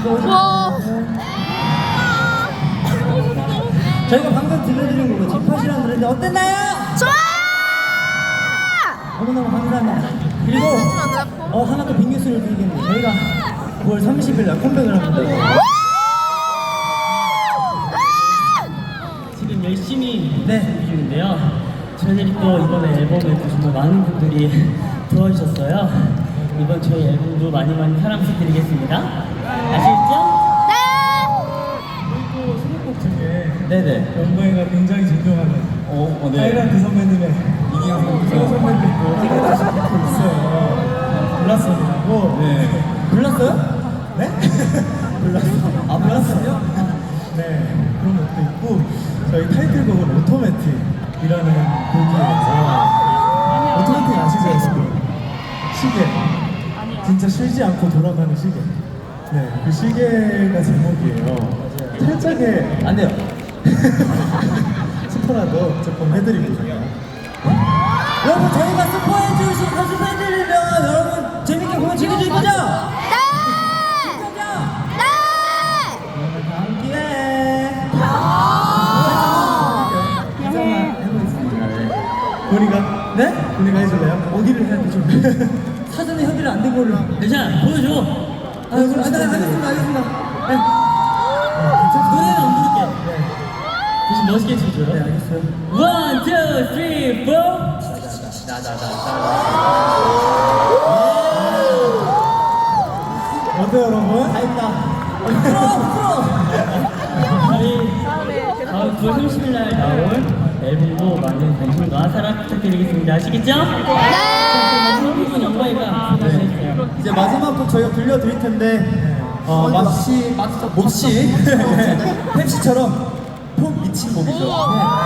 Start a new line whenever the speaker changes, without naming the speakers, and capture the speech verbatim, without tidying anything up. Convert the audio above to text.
와.
저희가 방금 들려드린 곡은 집팟이라는 노래인데 어땠나요?
좋아!
너무너무 감사합니다. 그리고 어, 하나 또 빅뉴스를 드리겠는데 저희가 구월 삼십일 날 컴백을 합니다.
지금 열심히
네.
준비 중인데요. 저희들이 또 이번에 앨범에 또 정말 많은 분들이 도와주셨어요. 이번 저희 앨범도 많이 많이 사랑 부탁드리겠습니다. 아시겠죠?
그리고 수록곡 중에
네네.
영광이가 굉장히 존경하는
어, 어, 네.
하이란드 선배님의 이기영 선배님도 있어요. 블라썸이라고.
네. 불렀어요?
네?
불렀어. 아, 불렀어요?
네, 그런 것도 있고 저희 타이틀곡은 오토매틱이라는 곡이에요. 오토매틱 아시죠, 여러분? 시계. 진짜 쉬지 않고 돌아가는 시계. 네, 그 시계가 제목이에요. 살짝의
안 돼요.
스포라도 조금 해드리고요.
여러분 저희가 스포해주신 가수 팬들이면 여러분 재밌게 공연 즐겨줄 거죠?
네!
그죠?
네!
그러면 다음 기회에
인사만 해보겠습니다. 네. 본이가
네?
본이가 해줄래요?
어디를 해야 되죠? 사전에 협의를 안 된 거를
괜찮아, 보여줘.
아, 그럼 아, 네, 알겠습니다 알겠습니다 네.
노래는 안 부를게.
네.
대신 멋있게 쳐줘요.
네 알겠어요
원, 투, 쓰리, 포.
어때요, 여러분?
다 했다 부끄러워 부끄러워
저희 다음 구월 삼십일 날 나올 앨범도 많은 관심과 사랑 부탁드리겠습니다. 아시겠죠?
네!
부분 영광이가 부탁드릴게요.
이제 마지막 곡 저희가 들려드릴 텐데 어, 마치 몹시 펩시처럼 폭 미친 곡이죠. 네.